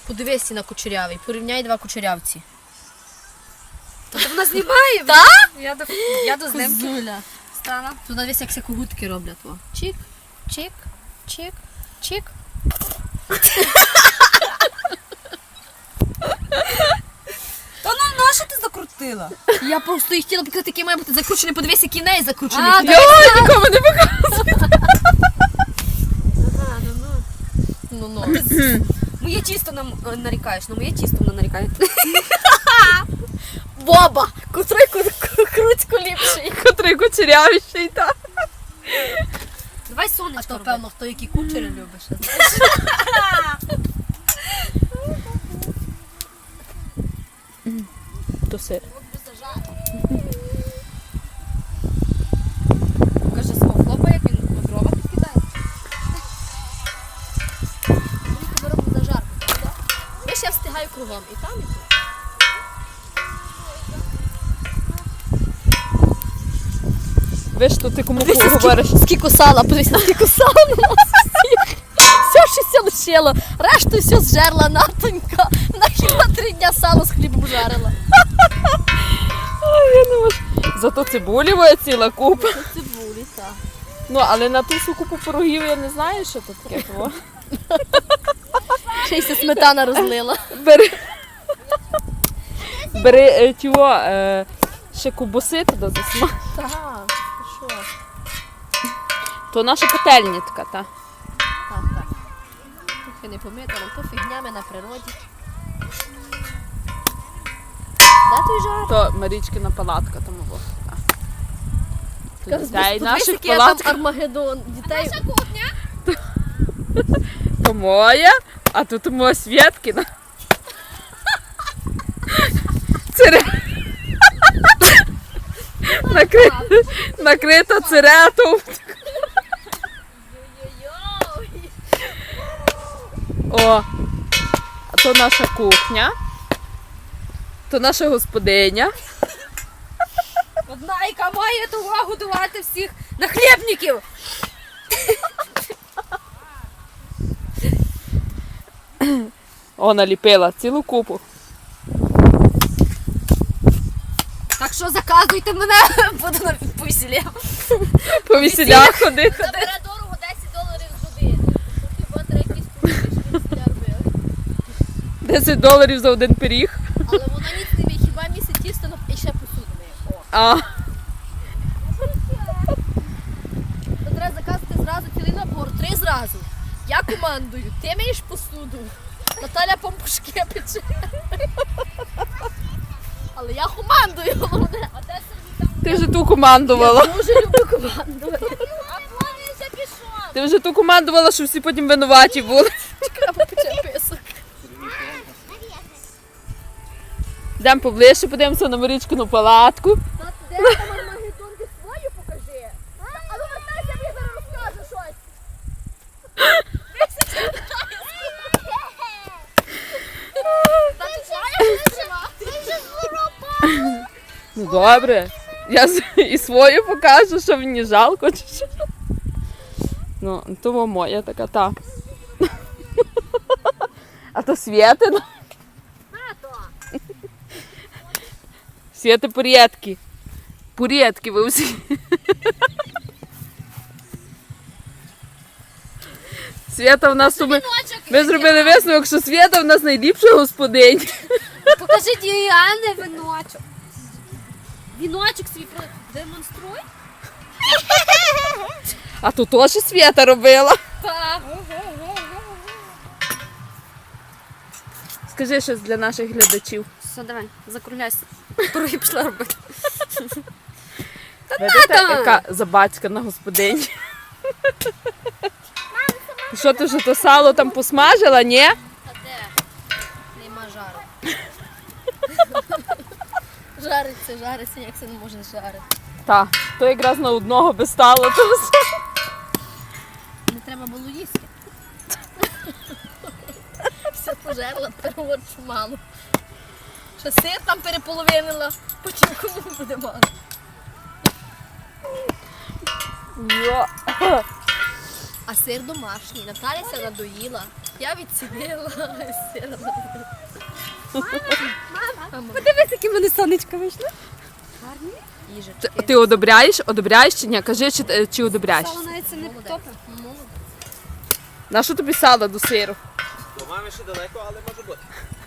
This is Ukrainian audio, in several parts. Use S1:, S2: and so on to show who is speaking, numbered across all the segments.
S1: Подивися на кучерявий, порівняй два кучерявці.
S2: Тобто вона знімає?
S1: Так?
S2: Я до знімки.
S1: Козуля.
S2: Стала.
S1: Тут дивись, як когутки роблять. О. Чик, чик, чик, чик.
S2: Та ну нащо ти закрутила?
S1: Я просто їх хотіла показати, який має бути закручений. Подивись, який неї закручений.
S2: А,
S1: Йой, нікому не показує.
S2: Ага,
S1: Ну.
S2: Моє тісто нам нарікаєш, на моє тісто вона нарікає.
S1: Боба! Котрий круцько ліпший.
S3: Котрий кучерявіший, так.
S2: Давай
S1: А
S2: сонечко
S1: то,
S2: роби.
S1: певно, хто які кучері любиш.
S3: То сир.
S2: Покажи свого хлопа, як він на дрова підкидає.
S1: Ми робимо зажарку, так? Я ще встигаю кругом. І там, і тут.
S3: Ви ж то ти кому говориш?
S1: Скільки сала, подивися, скільки сала на нас всіх. Все, що все лишило. Решту все зжерла Натонька. Вона хіба 3 дня сало з хлібом жарила.
S3: Ой, я не можу. Зато цибулі ціла купа.
S1: Цибулі, так.
S3: Ну, але на ту всю купу пирогів я не знаю, що тут таке. Того.
S1: Ще й сметана розлила.
S3: Бери ще кубуси туди засмаж.
S1: Так, що?
S3: То наша пательня така, та.
S1: Так. Трохи не помита, але то фігнями на природі. Де той жар?
S3: То Марічкина палатка, тому вот. Тут дітей наших
S1: який там
S3: палатка.
S1: Армагеддон. Дітей.
S3: То моя, а тут моя Свєткіна. Накрита циретом. О, а то наша кухня, то наша господиня.
S2: Одна, яка має того годувати всіх нахлєбників.
S3: О, наліпила цілу купу.
S2: Так що заказуйте мене, буду на повесілля.
S3: По весілях ходити.
S1: Забере дорого $10 з години. Хіба треба якісь повітря робили.
S3: $10 за один пиріг.
S1: Але воно ніц не мій, хіба місяць тісто і ще посуду миє.
S3: А,
S1: То треба заказати зразу цілий набор, 3 зразу. Я командую, ти миєш посуду, Наталя помпушки пече. Але я командую, головне. А де
S3: ти вже ту командувала.
S1: Я дуже люблю командувати.
S2: А повний вже пішов.
S3: Ти вже ту командувала, що всі потім винуваті були.
S1: Чекай, попече писок.
S2: Йдемо поближче, подивимося на Марічкину палатку.
S1: Де там Армагеддон, ти свою покажи. А ну вертайся, мені зараз розкаже щось.
S2: Ну добре. Я і свою покажу, що мені жалко чи що. Ну, то моя така та. А то Свєтина. Свєти порєдки. Порєдки ви всі. Свєта в нас тут ми зробили висновок, що Свєта в нас найліпша господиня.
S1: Покажи Діане віночок. Віночок свій демонструй.
S2: А то теж Свєта робила.
S1: Так.
S2: Скажи щось для наших глядачів.
S1: Все, давай, закругляйся. Пироги пішла робити.
S2: Видите, яка забацькана господиня. Що ти вже то сало там посмажила, ні?
S1: А де? Нема жару. Жариться, як це не може жарити.
S2: Так, то якраз на одного би стало. То все.
S1: Не треба було їсти. Все пожерла, перевод мало. Ще сир там переполовинила, потім кому буде мало. А сир домашній. Наталяся надоїла. Я відцінила сир. Мама.
S4: Подивись, які в мене сонечка вийшло.
S1: Їжечки.
S2: Ти одобряєш? Одобряєш чи ні? Кажи, чи одобряєш?
S4: Сало навіть це не топе.
S2: На що тобі сало до сиру?
S5: До мами ще далеко, але може бути.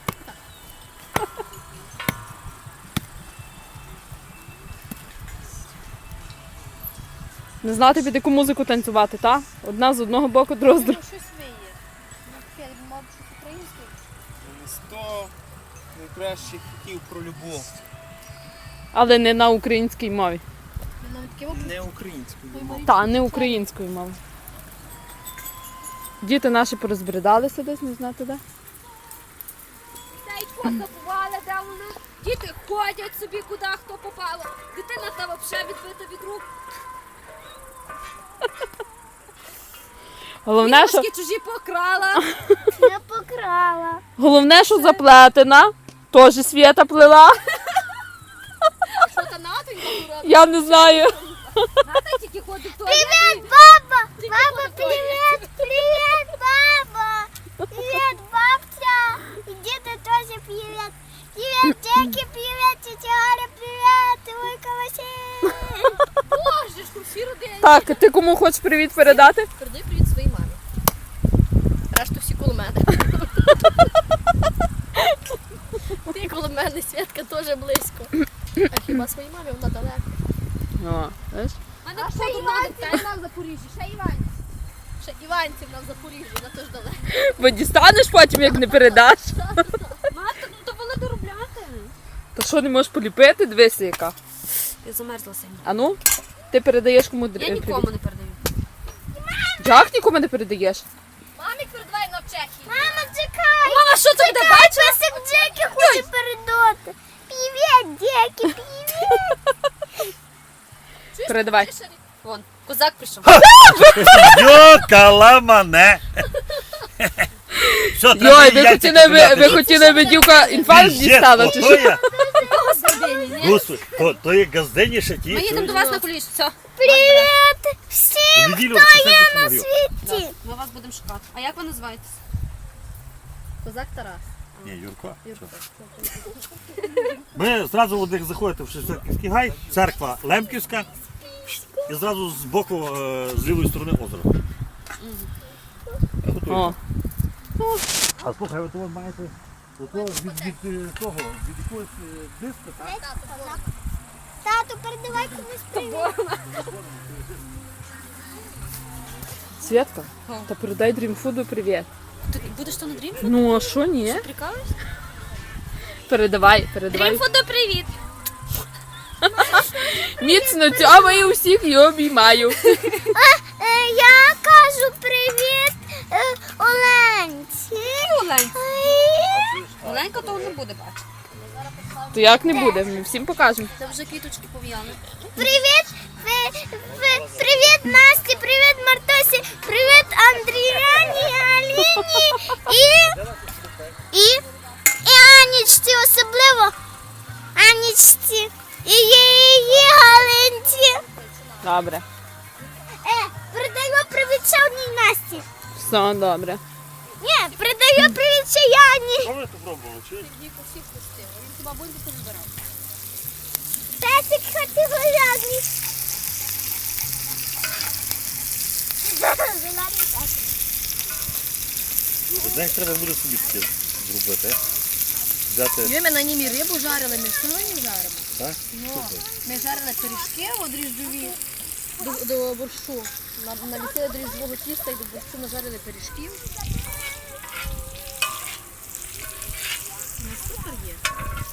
S2: Не знати під яку музику танцювати, та? Одна з одного боку, друга з другого.
S1: Щось виє. Мабуть, щось українське.
S5: 100 найкращих хітів про любов.
S2: Але не на українській мові.
S5: Не українською.
S2: Та, не українською мовою. Діти наші порозбридалися десь, не знати де.
S4: Сяйко забували, де вони. Діти ходять собі, куди хто попало. Дитина та взагалі відбита від рук.
S2: Головне, що,
S4: Іграшки чужі покрала.
S1: Не покрала.
S2: головне, що заплетена. Теж Свята плела.
S1: Що та натонька робить?
S2: Я не знаю.
S4: Ната тільки ходить в туалет.
S1: Баба! Баба, привіт! Привіт, баба! Привіт, бабця! І діти теж привіт! Привіт, Джекі, привіт, тетя Галя, привіт! Вуйка Василь!
S4: Боже, ж всі родини.
S2: Так, ти кому хочеш привіт передати?
S1: Передай привіт своїй мамі. Решту всі коло мене. Ти коло мене, Святка теж близько. А хіба своїй мамі вона далеко?
S2: О, знаєш?
S4: Мене ще Іванців на Запоріжжі, ще Іванців.
S1: Ще Іванців на Запоріжжі, вона теж далеко.
S2: Бо дістанеш потім, як не передаш.
S4: Мати, ну то вона доробляти.
S2: Та що, не можеш поліпити? Дивися яка.
S4: Я замерзла сильно.
S2: А ну, ти передаєш кому
S4: Я
S2: привіт?
S4: нікому не передаю.
S2: Як нікому не передаєш?
S1: Мамі передавай на Чехії.
S4: Мама, чекай! Мама, що ти буде бачила?
S1: Песик Джекі хоче передати. Привіт, Джекі, привіт.
S2: Передавай.
S4: Вон, козак прийшов.
S6: Йокала мене. Що, треба
S2: Йой,
S6: яйця
S2: ви
S6: купляти?
S2: хотіли би дівка інфаркт
S6: Піздець,
S2: дістала, чи
S6: ото
S2: що?
S6: я.
S4: Господині, ні?
S6: Господи, то є газдені ще ті.
S4: Ми їдемо до вас на куліш, все.
S1: Привіт всім,
S6: В неділю хто є на
S1: світі.
S4: Ми вас будемо шукати. А як ви називаєтесь?
S1: Козак Тарас.
S6: Ні, Юрко. Ми зразу от як заходите в Шевченківський гай, церква Лемківська, і зразу з боку, з лівої сторони озеро.
S2: О,
S6: А слухай, от ви маєте від того, від якогось диска, так?
S1: Тату, передавай комусь привіт.
S2: Святка, та передай Дрімфуду привіт.
S4: Ти будеш то на дрім?
S2: Ну, а що ні?
S4: Прикалуєшся?
S2: Передавай.
S4: Фото, привіт!
S2: Міцно цьомаю усіх і обіймаю.
S1: Я кажу привіт Оленці.
S4: Оленька. Оленька того не буде бачити.
S2: То як не буде, ми всім покажемо.
S4: Це вже квіточки пов'яли.
S1: Привіт, привіт Насті, привіт Мартусі, привіт Андріані, Аліні і Анічці, особливо Анічці і її Галинці.
S2: Добре.
S1: Передаю привіт ще одній Насті.
S2: Все добре.
S1: Ні, передаю привіт ще Яні.
S6: Що ви тут пробували? Чи?
S1: Песик категоріальний.
S6: Знаєш, треба буде собі таке зробити. Взяти.
S1: Ми на німі рибу жарили, ми сьогодні жаримо.
S6: Так?
S1: Ми жарили пиріжки от дріжджові до борщу. Наліпили дріжджового тіста і до борщу нажарили пиріжків. Ну, супер є.